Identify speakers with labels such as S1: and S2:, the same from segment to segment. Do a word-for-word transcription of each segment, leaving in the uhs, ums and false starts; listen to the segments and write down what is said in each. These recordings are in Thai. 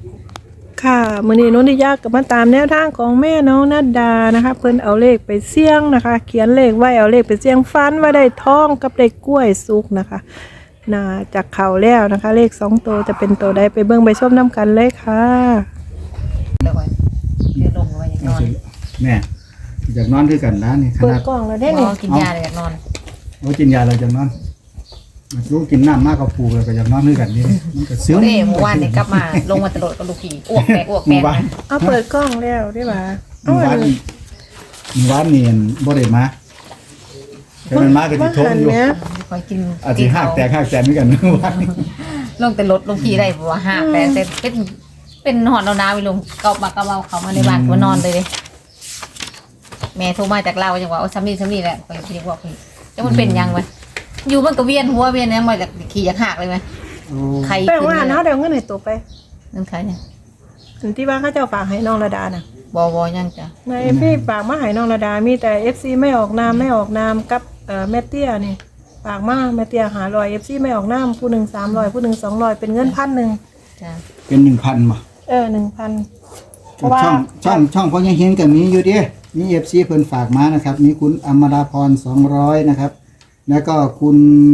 S1: ค่ะมื้อนี้นนทิยาก็มาตามแนวทางของแม่น้องนัดดานะคะเพิ่นเอาเลขไปเสี่ยงนะคะเขียนเลขไว้เอาเลขไปเสี่ยงฟันว่าได้ทองกับได้กล้วยสุกนะคะน่าจากเขาแล้วนะคะเลขสองตัวจะเป็นตัวใดไปเบิ่งไปชมน้ำกันเลยค่ะ
S2: เดี๋ยวไว้เดี๋ยวลงไว้นอน
S3: แม่อยากนอนด้วยกันนะนี่ข
S1: เปิด
S3: นาด
S1: กล่องแล้วได้
S2: ได้
S1: นี่
S2: กินยาเลยอยากนอน
S3: เรากินยาเราจะนอนลูกกินน้ำมากกับปูเลยก็อยากนอนด้วยกันนี่มันก็ซึม
S2: เด้เมื่อวานเนี่ยกลับมาลงมาตลอดกับลูกผีอ้วกแตกอ้วก
S3: ห
S2: แต
S3: มู่
S2: ก
S3: บ้าน
S1: เอาเปิดกล้องแล้วได้ป่ะ
S3: หมู่บ้านหมู่บ้านนี่บ่ได้มาแต่มันมาก็สิทมอยู่
S1: เนี้ย
S2: คอยกิน
S3: อาจสิหักแตกหักแตกเหมือนกันหมู่บ้าน
S2: ลงแต่รถลูกผีได้บอกว่าหักแต่แต่เป็นเป็นหอนเอาน้ำไปลงเกามาเกาเอาเขามาในบ้านก็นอนเลยเลยแม่โทรมาจากเราจังว่าเอาซ้ำนี่ซ้ำนี่แหละคอยเรียกว่าพี่จะมันเป็นยังไงอยู่มันก็เวียนหัวเวียนยังมาจากขี่จากหักเลยไหมใคร
S1: แป้งว่าเนาะเดี๋ยวเงินให้ตัวไป
S2: นั่นใครเนี่ย
S1: อันที่ว่าเขาเจ้าฝากให้น้องระดาน่ะ
S2: บอบอยังจ้ะ
S1: ในพี่ฝากมาให้น้องระดามีแต่ เอฟ ซี ไม่ออกนามไม่ออกนามกับเอ่อแม่เตี้ยนี่ฝากมาแม่เตี้ยหาร้อย เอฟ ซี ไม่ออกนามผู้หนึ่งสามร้อยผู้หนึ่งสองร้อยเป็นเงินพันหนึ่ง
S2: จ้ะ
S3: เป็นหนึ่งพันบ่
S1: เออหนึ่งพันเพราะว่า
S3: ช่องช่องช่องพ่อยังเห็นกับมีอยู่ดิมี เอฟ ซี เพิ่นฝากมานะครับ มีคุณอมราพรสองร้อยนะครับ แล้วก็คุณ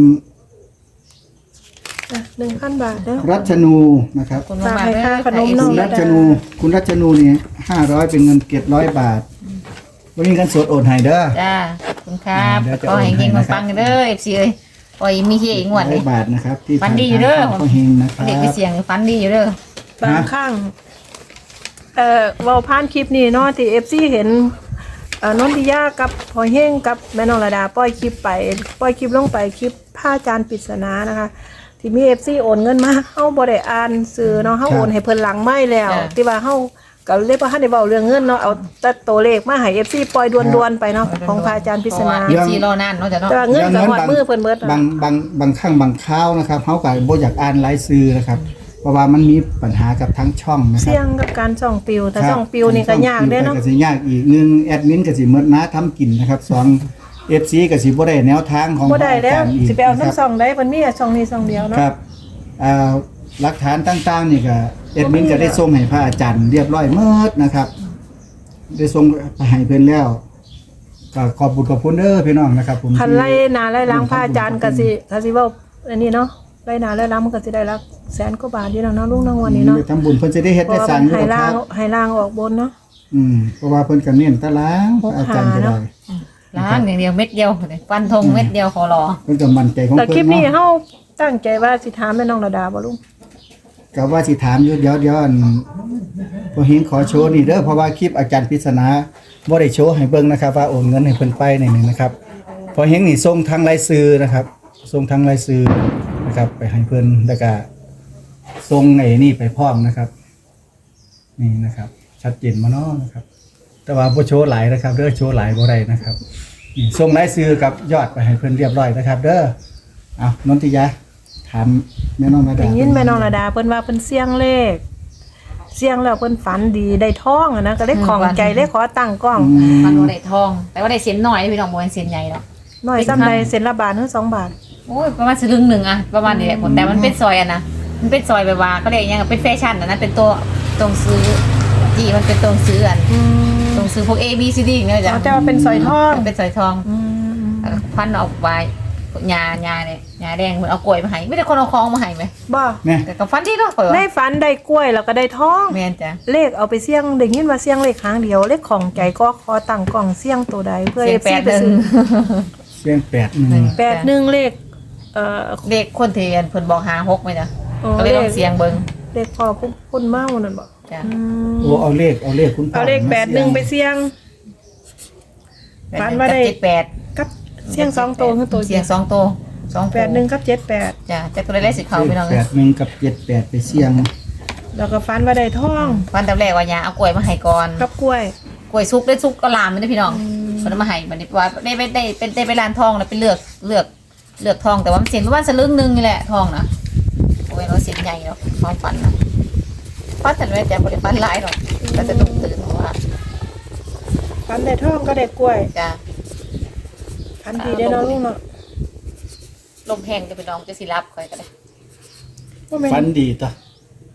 S1: หนึ่งพันบาทเด้อ
S3: รัชนูนะครับ
S2: คน
S1: ฝาก
S2: มา
S1: ให้ค่าขนมน้
S3: คุ
S1: อง
S3: ณรัชนูคุณรัชนูนี่ห้าร้อยเป็นเงินเก็บร้อยบาทวันนี้กันสดโอนให้เด้อ
S2: จ้าขอบคุณครับ
S3: เดี๋ยวจะ
S2: ขอให้เฮง
S3: โอนให้นะครับ
S2: ปังๆเด้อเอฟซีเอ้ยปล่อยมีเฮงหวด
S3: ร้
S2: เล
S3: อย ยบาทนะครับ ที่
S2: ฟันดีอยู่เด้อ
S3: ทางพ่อเฮงนะครับ
S2: เด็กไปเสียงฟันดีอยู่เด้อบ
S1: างข้างเอ่อเว้าผ่านคลิปนี้เนาะที่ เอฟ ซี เห็นเอ่อนนทิยากับพอเฮงกับแม่น้องระดาปล่อยคลิปไปปล่อยคลิปลงไปคลิปผ้าจานปริศนานะคะ ที่มี เอฟ ซี โอนเงินมาเฮาบ่ได้อ่านซื้อเนาะเฮาโอนให้เพิ่นหลังไม่แล้ว ที่ว่าเฮาก็เลยบ่ทันได้เว้าเรื่องเงินเนาะเอาแต่ตัวเลขมาให้ เอฟ ซี ปล่อยด่วนๆไปเนาะของพระอาจารย์ปริศนา
S2: เอฟซีรอนานเนาะจ้ะเนาะ
S1: แต่ว่าเงินก็ฮอดมือเพิ่นเบิด
S3: บางบางบางครั้งบางคราวนะครับเขาก็บ่อยากอ่านรายชื่อนะครับ เพราะว่ามันมีปัญหากับทั้งช่องนะครั
S1: เสี่ยงกับการส่องปิวแต่
S3: ครับ
S1: ส่องปิวนี่ก็ยากเด้เนาะ
S3: ก็สิยากอีกหนึ่งแอดมินก็สิหมดนะทำกินนะครับสอง เอฟ ซี ก็สิบ่ได้แนวทางของ
S1: บ่ได้แล้ว
S3: พระจรย์อีก
S1: สิไปเอา
S3: นะค
S1: น้ำ
S3: รับ
S1: ส่องได้เพิ่นมีแต่ส่องนี้ส่องเดียวเนาะ
S3: ครับอ่าหลักฐานต่างๆนี่ก็แอดมินก็ได้ส่งให้พระอาจารย์เรียบร้อยหมดนะครับ ได้ส่งไปให้เพิ่นแล้วก็ขอบคุณขอบคุณเด้อพี่น้องนะครับผม
S1: คันไล่นาไล่ล้างพระอาจารย์ก็สิก็สิเว้าอันนี้เนาะไล่นาไล่ล้างมันก็สิได้ละแสนกว่าบาทอยู่แล้วเนาะลุงน้องวันนี้เนาะ
S3: ไปทำบุญเพิ่นจะได้เฮ็ด
S1: เพ
S3: ได้
S1: ราะว่า
S3: สร้าง
S1: มัน
S3: อยู่
S1: ให้
S3: ค
S1: ล่าง
S3: รับ
S1: ให้ล่างออกบนเนาะ
S3: อืมเพราะว่าเพิ่นก็เน้นตะล้างพระอาจารย์ก็ได้
S2: ล้างอย่างเดียวเม็ดเดียวฟันธงเม็ดเดียวขอรอ
S3: เพิ่นก็มั่นใจของ
S1: แต่คลิ
S3: เพิ่
S1: ป
S3: น
S1: นี้
S3: เนาะ
S1: เฮาตั้งใจว่าสิถามแม่น้องระดาบ่ลุง
S3: ก็ว่าสิถามอยู่เดี๋ยวเดี๋ยวอันพอเฮงขอโชว์นี่เด้อเพราะว่าคลิปอาจารย์ปริศนาบ่ได้โชว์ให้เบิ่งนะครับว่าโอนเงินให้เพิ่นไปนี่นี่นะครับพอเฮงนี่ส่งทางรายชื่อนะครับส่งทางรายชื่อนะครับ ไปให้เพิ่นแล้วก็ส่งไอ้นี่ไปพร้อมนะครับ นี่นะครับ ชัดเจนมาเนาะนะครับ แต่ว่าบ่โชว์หลายนะครับเด้อโชว์หลายบ่ได้นะครับนี่ส่งรายชื่อกับยอดไปให้เพิ่นเรียบร้อยนะครับ เด้อเอานนทิยาถามแม่น้องระดา
S1: ได้ยินแม่น้องระดาเพิ่นว่าเพิ่นเสี่ยงเลขเสี่ยงแล้วเพิ่นฝันดีได้ทองอะนะก็เลยของใจเลยขอตั้งกล้อง
S3: อืม
S2: ฟันโดได้ทอง แต่ว่าได้เส้นหน่อยพี่น้องบ่เป็นเส้นใหญ่หรอก
S1: น้อยซ้ำใดเซ็นละบาทหรือสองบาท
S2: โอ้ยประมาณสลึงหนึ่งอะประมาณนี้แหละแต่มันเป็นซอยอะนะมันเป็นซอยแบบว่าก็เรียกยังเป็นแฟชั่นอะนะเป็นตัวตรงซื้อจีมันเป็นตรงซื้ออัน
S1: อืม
S2: ตรงซื้อพวก A B C D อย่างเงี้ยจ้ะ
S1: อ๋อแต่ว่าเป็นสร้อยทอง
S2: เป็นสอยทอง
S1: อืม
S2: พันออกไว้ยายาเนี่ยยาแดงเหมือนเอากล้วยมาให้ไม่ได้คนเอาคองมาให้ไหม
S1: บ่
S3: เนี่ย
S2: แต่กับฟันที่เนาะเปิด
S1: ได้ฝันได้กล้วยแล้วก็ได้ทอง
S2: แม่นจ้ะ
S1: เลขเอาไปเสี่ยงได้ยินว่าเสี่ยงเลขครั้งเดียวเลขของใจก็ขอตั้งกล่องเสี่ยงตัวใดเพื่อ
S2: เสีย
S1: เอง ฟ
S2: แป
S1: ซี
S2: ด
S1: ไป
S2: หนึ่ง
S1: ซื้อ
S3: เสียงแปดหนึ่ง
S1: แปดหนึ่งเลขเอ่อ
S2: เด็กคนเทียนเพิ่นบอกหาหกไหมจ้ะ
S1: อ๋อ
S2: ก็เลยลองเสียงเบิ่ง
S1: เลขพอพุ่นพุ่นเมานั่นบ่
S2: จ้ะ
S1: อืม
S3: โอ้เอาเลขเอาเลขคุณพ่
S1: เอาเลขแปดหนึ่งไปเสี่ยง ฝันว่าได้
S2: เจ็ดแปด
S1: กับเสี่ยงสองตัวคือตัว
S2: เสียงสองตัวสอง
S1: แปดหนึ่งกับเจ็ดแปด
S2: จ้ะจะตัวได้สิเขาพี่น้อง
S3: แปดหนึ่งกับเจ็ดแปดไปเสี่ยง
S1: แล้วก็ฝันว่าได้ทอง
S2: ฟันแต่แรกว่ายาเอากล้วยมาให้ก่อน
S1: กับกล้วย
S2: กล้วยซุกได้ซุกก็ลามไม่ได้พี่น้องมันเอามาให้มันว่าได้ได้ได้เป็นได้ไปร้านทองแล้วไปเลือกเลือกเลือกทองแต่ว่ามันเสียงประมาณสลึงหนึงนี่แหละทองนะโอ้ยเราเสียงใหญ่เนาะความฝันนะฝันแต่ไม่แต่บริฝันหลายหรอกก็จะต้องตื่นเพราะว่า
S1: ฝันได้ทองก็ได้กล้วย
S2: จ้ะ
S1: ฝันดีได้เนาะลุงเนาะ
S2: ลมแห้งจะไปน้องจะสิรับคอยก็ได้
S1: ว่าแม่น
S3: ฟันดีต่อ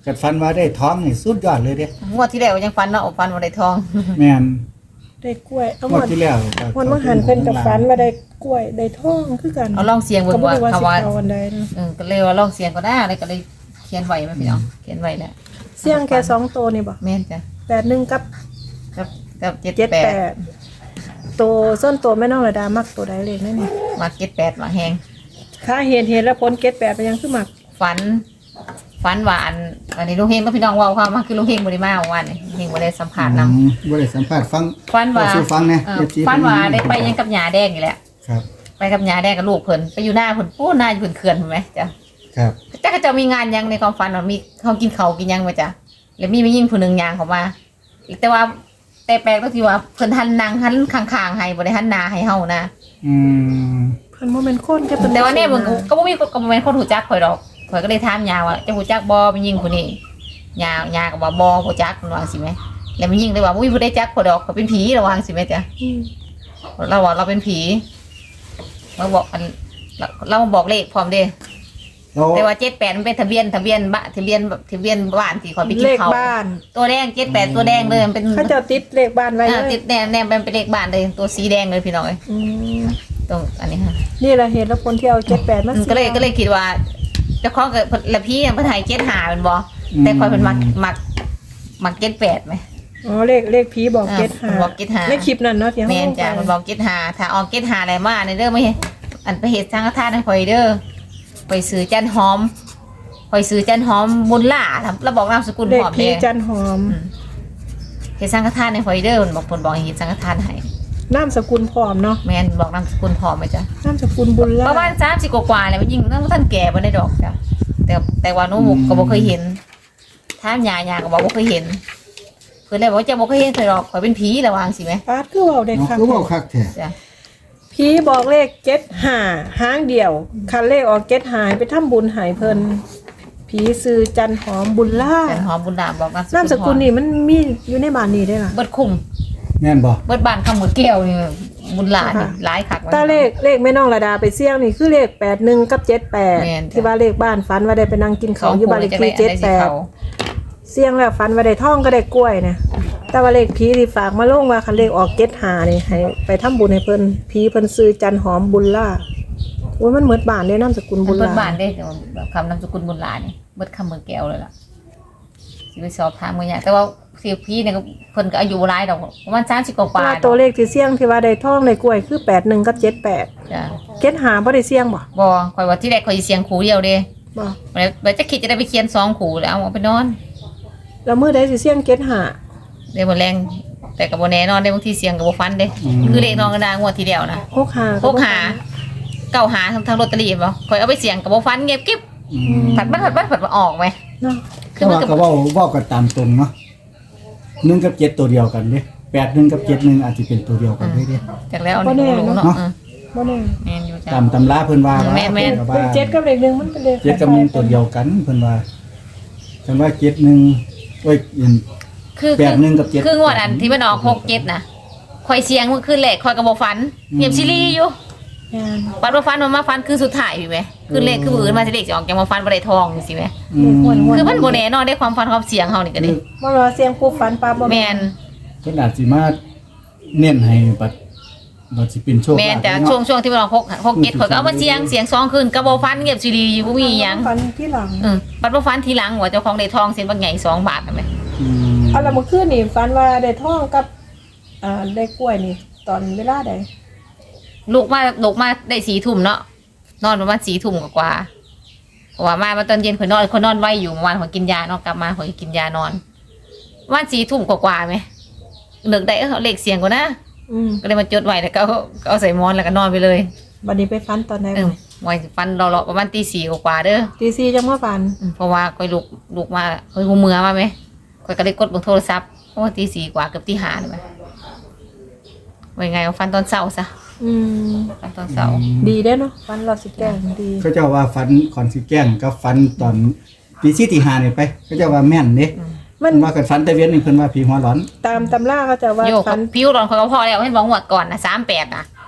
S3: กัดฟันว่าได้ท้องนี่สุดยอดเลยเด้
S2: งวดที่แล้วยังฟันเนาะฟันบ่ได้ทอง
S3: แม่น
S1: ได้กล้วยเอา
S3: ง
S1: หม
S3: วด
S1: ด
S3: ที่แล้ว
S1: วันว่าหันเพิ่นกับฝันว่าได้กล้วยได้ทองคือกัน
S2: เอาลองเสียงเบิ่
S1: ก็
S2: ง
S1: บ่
S2: ว่า
S1: รู้ว่า
S2: เขา
S1: สิ
S2: ว่า
S1: เอาอันใดนะ
S2: เออก็เลยว่าลองเสียงก็ได้เลยก็เลยเขียนไว้แม่พี่น้องเขียนไว้แล้ว
S1: เสี่ยงแค่สองตัวนี่บ่
S2: แม่นจ้ะ
S1: แปดหนึ่งกับ
S2: กับกับเจ็ด
S1: เจ็ด
S2: แป
S1: แป
S2: ด
S1: ดตัวส้นตัวแม่น้องระดามักตัวใดเลขนั่นนี่
S2: มาเจ็ดแปดมาแหง
S1: ถ้าเห็นเห็นแล้วพ้นเจ็ดแปดไปยังคือมัก
S2: ฝันฝันหวานอันนี้ลุงเฮงก็พี่น้องเว่าความมาคือลุงเฮงบ่ได้มาเมื่อวานนี่ลุงเฮงบ่ได้สัมภาษณ์นำ
S3: อืมบ่ได้สัมภาษณ์ฟัง
S2: ฝันว่า
S3: สู่ฟังแหน่
S2: เออ
S3: เอฟซี
S2: ฝันว่าได้ไปยังกับหญ้าแดงนี่แหละ
S3: ครับ
S2: ไปกับหญ้าแดงกับลูกเพิ่นไปอยู่หน้าเพิ่นปู้หน้าอยู่เพิ่นเขื่อนเห็นไหมจ้ะ
S3: ครับ
S2: จ้าก็จะมีงานยังในความฝันว่ามีเขากินเขาวกินยังมาจ้ะแล้วมีไม่ยิ่งผู้หนึงยางเขามาแต่ว่าแต่แปลกก็ที่ว่าเพิ่นหันนางหันข้างๆให้บ่ได้หันหน้าให้เฮานะ
S3: อืม
S1: เพิ่นบ่แม่นคนจะเพิ่น
S2: แต่ว่าเนี่ยมึงก็บ่มีก็บ่แม่นคนรู้จักข่อยดอกข่อยก็เลยถามยาว่าจะรู้จักบ่มียิ่งผู้นี้ยายาก็บ่บ่รู้จักมันว่าสิแม่แล้วมียิ่งเลยว่าบ่มีผู้ใดจักข่อยดอกข่อยเป็นผีระวังสิแม่จ้ะ
S1: อืม
S2: เราว่าเราเป็นผีเราบอกอันเราเรามาบอกเลขพร้อมเด้
S3: แล้ว
S2: แต่ว่าเจ็ดแปดมันเป็นทะเบียนทะเบียนบ้านทะเบียนทะเบียนบ้านที่ข่อยไปกิ
S1: เล
S2: น
S1: ข
S2: เขาว
S1: บ้าน
S2: ตัวแดงเจ็ดแปดตัวแดงเลยมันเป็น
S1: เขาเจ้าติดเลขบ้านไว้
S2: อ่า
S1: เล
S2: ติ
S1: ย
S2: ดแนมแนมเป็นเลขบ้านเลยตัวสีแดงเลยพี่น้องเอ้ย
S1: อืม
S2: ตรงอันนี้ค่ะ
S1: นี่แหละเหตุและผลที่เอาเจ็ดแปดมา
S2: อืมก็เลยก็เลยคิดว่าเจ้าของกับละพี่ยังเพิ่นให้เจ็ดหาเป็นบ่แต่ข่อยเป็นมักมักมักเจ็ดแปดไหม
S1: อ๋อเลขเลขผีบอก
S2: อ่า
S1: เจ็ดหา
S2: บอกเจ็ดห้า
S1: ในคลิปนั้นเนาะที่เฮา
S2: แม่นจ้ะมันบอกเจ็ดหาถ้าออกเจ็ดหาอะไรมาในเด้อไม่อันไปเฮ็ดสังฆทานให้ข่อยเด้อข่อยซื้อจันหอมข่อยซื้อจันหอมบุญล่าทำแล้วบอกนามสกุล
S1: เล
S2: พ
S1: ข
S2: ร้อม
S1: ผี
S2: เด้
S1: จันหอม
S2: เฮ็ดสังฆทานให้ข่อยเด้อมันบอกเพิ่นบอกให้เฮ็ดสังฆทานให้
S1: นามสกุลพร้อมเนาะ
S2: แม่นบอกนามสกุลพร้อมไหมจ๊ะ
S1: นามสกุลบุญ
S2: ป
S1: ล่า
S2: ระมาณสามสิบกว่าๆแล้วมันยิ่งนั่งท่านแก่บ่ได้ดอกจ้ะแต่แต่ว่าหนูก็บ่เคยเห็นถามยายาก็บอกบ่เคยเห็นเพิ่นเลยบอกว่าจะบ่เคยเห็นเธอหรอกข่อยเป็นผีระวังสิแม่
S1: ปาดคือเว้าได้
S3: เนาะ
S1: คัก
S3: คือเว้าคักแท้
S2: จ้ะ
S1: ผีบอกเลขเจ็ดหาหางเดียวคันเลขออกเจ็ดหายไปทำบุญใหายเพิ่นผีซื้อจันหอมบุญล่า
S2: จันหอมบุญดามบอกนามสกุล
S1: นามสกุลนี่มันมีอยู่ในบ้านนี้ได้ล่ะ
S2: เบิดคุ้ม
S3: แม่นบ่
S2: เบิดบ้านคำหมดแก้วนี่บุญหลานนี่
S1: ค่ะ
S2: หลายคัก
S1: ตาเลขเลขแม่น้องระดาไปเสี่ยงนี่คือเลขแปดหนึ่งกับเจ็ดแปด
S2: แม่นจ้ะ
S1: ที่ว่าเลขบ้านฝันว่าได้ไปนั่งกิน
S2: สอ
S1: เขาว
S2: ง
S1: อยู่
S2: คู่
S1: บ้านเล
S2: เลย
S1: ข
S2: จะได้
S1: ที่
S2: อัน
S1: เจ็ด
S2: ได้
S1: แป
S2: สิ
S1: ด
S2: เขา
S1: เสี่ยงแล้วฝันว่าได้ท่องก็ได้กล้วยนะแต่ว่าเลขผีที่ฝากมาลงว่าคันเลขออกเจ็ดหานี่ให้ไปทำบุญให้เพิ่นผีเพิ่นซื้อจันหอมบุญล่าโอ้ยมันเหมือนบ้านเลยนามสกุลบุญ
S2: เบิด
S1: ล่า
S2: บ้านได้คำนามสกุลบุญหลานนี่เบิดคำเมืองแก้วเลยล่ะสิไปสอบถามเมื่อไงแต่ว่าเสียพี่เนี่ยก็เพิ่นก็อายุหลายดอกประมาณสามสิบกว่า
S1: แต่
S2: ๆ
S1: ว่า
S2: ด
S1: ตั
S2: อ
S1: ว
S2: ก
S1: เลขที่เสี่ยงที่ว่าได้ท่องได้กล้วยคือแปดหนึ่งกับเจ็ดแปด
S2: จ้ะ
S1: เจ็ดหาบ่ได้เสี่ยงบ่
S2: บ่ข่อยว่าที่แรกข่อยสิเสียงขู่เดียวเด้
S1: บ่
S2: แล้วแล้วจะคิดจะได้ไปเขียนสองขู่แล้วเอาไปนอน
S1: แล้วมื้อใดสิเสี่ยงเจ็ดหา
S2: เดี๋ยวบ่แรงแต่ก็บ่แน่นอนได้บางทีเสียงก็บ่ฟันเด้คือเลขน้องกระดางวดทีเดียวนะ
S1: หกหา
S2: พกหาเก้าหาทางทางลอตเตอรี่บ่ข่อยเอาไปเสียงก็บ่ฟันเงียบกิ๊บ
S3: อืม
S2: ผัดบัดผัดบัดผัดมาออกไหม
S1: เนาะ
S2: คือ
S3: แต่
S2: มัน
S3: ว่า
S2: ก็
S3: ก็เว้าเว้ากันตามตรงเนาะหนึ่งกับเจ็ดตัวเดียวกันเด้แปดหนึ่งกับเจ็ดหนึ่งอาจจะเป็นตัวเดียวกันเด้เด้
S2: จากแล้วอันนี้บ่รู้เนาะเออ
S1: บ่แน่
S2: แม่นอยู่จ้ะ
S3: ตามตำราเพิ่นว่าว่า
S2: แม่นแม่น
S3: เพิ่นก็
S1: เป็น
S3: ว่า
S1: เจ็ดกับเลขหนึ่งมันเป็นเลข
S3: เจ็ดกับหนึ่งตัวเดียวกันเพิ่นว่าเพิ่นว่าเจ็ดหนึ่งโอ้ยอัน
S2: คือ
S3: แปดหนึ่งกับเจ็ด
S2: คืองวดอันที่มันออกหกเจ็ดน่ะข่อยเสียงมันคือแหลกข่อยก็บ่ฟันเงียบซิลี่อยู่
S1: แม่น
S2: ปัดบ่ฟันมันมาฟันคือสุดท้ายอยู่ไหมคือเลขคือมือมาสิเลขสิออกจังมาฟันบ่ได้ทองจังซี่แหม
S3: อืม
S2: คือมันบ่แน่นอนได้ความฟันความเสียงเฮานี่ก็ดิ
S1: บ่รอเสียงปุ๊บฝันปั๊บบ่
S2: แม่น
S3: เพิ่นอาจสิมาเน้นให้บัดบัดสิเป็นโชค
S2: แม่น
S3: ลาภ
S2: แต่
S3: เนาะ
S2: ช่วงช่วงที่มันออกหกหกเจ็ดข่อยก็เอามาเสียงเสียงสองคืนก็บ่ฟันเงียบซิลี่อยู่บ่มีหยัง
S1: ฝันที่หลัง
S2: เออปัดบ่ฟันทีหลังว่าเจ้าของได้ทองเส้นบางใหญ่สองบาทนั่นแหม
S3: อืม
S1: เอาละเมื่อคืนนี่ฝันว่าได้ท่องกับอ่าได้กล้วยนี่ ตอนเวลาใด
S2: ลูกมาลูกมาได้สี่ทุ่มเนาะนอนประมาณสี่ทุ่มกว่าๆเพราะว่ามามาตอนเย็นข่อยนอนข่อยนอนไวอยู่เมื่อวานข่อยกินยาเนาะกลับมาข่อยกินยานอนประมาณสี่ทุ่มกว่าๆไหมเลิกได้เออเลขเสียงกว่านะ
S1: อืม
S2: ก็เลยมาจดไว้แล้วก็เอาก็เอาใส่หมอนแล้วก็นอนไปเลย
S1: บัดนี้ไปฝันตอนไหน
S2: เออไว้ฟันเราๆประมาณตีสี่กว่าๆเด้อ
S1: ตีสี่จังมาฝัน
S2: อืมเพราะว่าข่อยลูกลูกมาข่อยหูเมือมาไหมข่อยก็เลยกดเบนโทรศัพท์เพราะว่าตีสี่กว่าเกือบตีห้าเลยไหมไว้ไงเอาฟันตอนเช้าซะ
S1: อืม
S2: ฟันตอนเช้า
S1: ดีเด้อเนาะฝันรอบสิแกล้งดี
S3: เขาเจ้าว่าฟันคอนสิแกล้งกับฟันตอนตีสี่ตีห้านี่ไปเขาเจ้าว่าแม่นเด้
S1: มั
S3: มัน นว่ากันฟันแต่เวียนนี่เพิ่นว่าผีหัวร้อน
S1: ตามตำราเขาจะว่า
S2: โยก
S1: ฝัน
S2: ผิวร้อนข่อยก็พอแล้วเห็นบอกงวดก่อนนะสามแปดนะ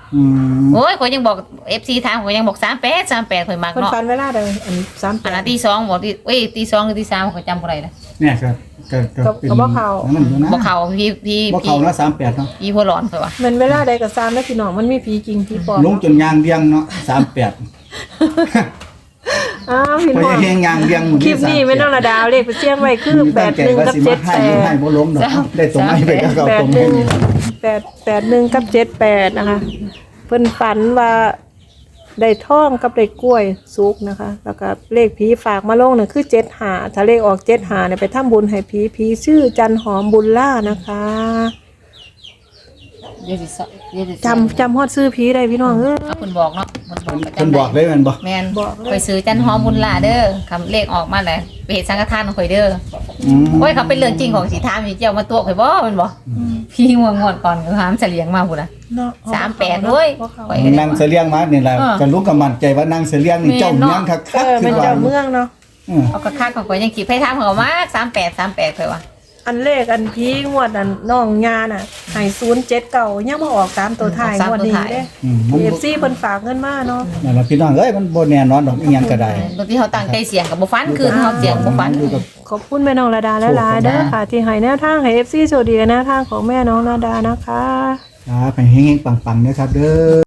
S3: อืม
S2: โอ้ยข่อยยังบอก เอฟ ซี ถามข่อยยังบอกสามแปด สามแปดข่อยมัก
S1: เพิ่น
S2: เนาะ
S1: ฝันเวลาใดอันสามแป
S2: อัน
S1: ด
S2: นั้นตีสองบอกตีเอ้ยตีสองหรือตีสามข่อยจำบ่ได้ละ
S3: เนี่ยครับก็ก็เป็น
S1: ก็บ่เข้า
S3: อันนั้นอยู่นะ
S2: บ่เข้าพี่พี่
S3: บ่
S2: พี่
S3: เข้านะสามแปดเนาะ
S2: พี่หัวร้อนข่อยว่า
S1: แมันเวลาใดก็ตามแล้วพี่น้องมันมีผีจริงผีปลอม
S3: ลงจนยางเดียงเนาะสามแปด
S1: อ้าวพี่
S3: พอ
S1: น้อง
S3: เฮงยางเดียงหมด
S1: คลิปนี้ไม่ต้องระดาวเลขไปเสี่ยงไว้คือ
S3: มี
S1: แป
S3: ตั้ง
S1: ด
S3: ใจ
S1: หนึ่ง
S3: ว่า
S1: กับ
S3: สิ
S1: เจ็
S3: มา
S1: ด
S3: ให้
S1: แป
S3: หรือ
S1: ด
S3: ให้บ่ล้มดอกได้ตรงไหนไปก็เอา
S1: แป
S3: ต
S1: ด
S3: รง
S1: ห
S3: ให้
S1: นึ่ง
S3: นี่ล่ะ
S1: แปดแปดหนึ่งกับเจ็ดแปดนะคะ เพิ่นฝันว่าได้ท่องกับได้กล้วยสุกนะคะ แล้วก็เลขผีฝากมาลงเนี่ยคือเจ็ดหาถ้าเลขออกเจ็ดหาเนี่ยไปทำบุญให้ผีผีชื่อจันหอมบุญล่านะคะ
S2: เดี๋ยวสิสเดี๋ยวสิ
S1: จำจำฮอดซื้อผีได้พี่น้องเออ
S2: เอาเพิ่นบอกเนาะเพิ่นบอกประ
S3: เพิ่น
S2: จำ
S3: บอกเลยแม่นบ่
S2: แม่น
S1: บอกเลย
S2: ไปซื้อจันหอมบุญหลาเด้อคำเลขออกมาแล้วไปเฮ็ดสังฆทานของข่อยเด้อ
S3: อืม
S2: โอ้ยเขาเป็นเรื่องจริงของสิถามอยู่เจ้ามาตัวข่อยบ่แม่นบ่พี่ง่วงงอนก่อนก็ถามเฉลียงมาพุ่นน่ะ
S1: เนาะ
S2: สามแปดเว้ย
S1: บ่เข้า
S2: ไป
S3: นางเสลียงมานี่ล่ะ
S2: เออ
S3: ก็รู้กับมั่นใจว่านางเสลียงนี่เจ้าเมืองคัก
S1: เออ
S3: ๆ
S1: เป็น
S3: ว่า
S1: เจ้าเมืองเนาะ
S3: เออ
S2: เอากระคักของข่อยยังคิดไปถามเขามาสามแปด สามแปดข่อยว่า
S1: อันเลขอันพีงวดอันน้องยาน่ะให้ศูนย์เจ็ดเก่ายังมาออกตามตัวท้ายงวดนี้เด้
S3: อืมมัน
S1: เอฟ
S3: บ่
S1: ซีเพิ่นฝากเงินมาเนาะ
S3: นั่นล่ะพี่น้องเอ้ยมันบ่แน่นอนดอกอีหยังก็ได้
S2: บางทีเขาตั้งใจเสียงกับบ่ฟันคืนเขาเสียงบ่ฟัน
S3: อยู่กับ
S1: ขอบคุณแม่น้องระดาหลายๆเด้อค่ะ ที่ให้แนวทางให้ เอฟ ซี โชคดีกับแนวทางของแม่น้องระดานะคะ
S3: ครับให้เฮงๆปังๆนะครับเด้อ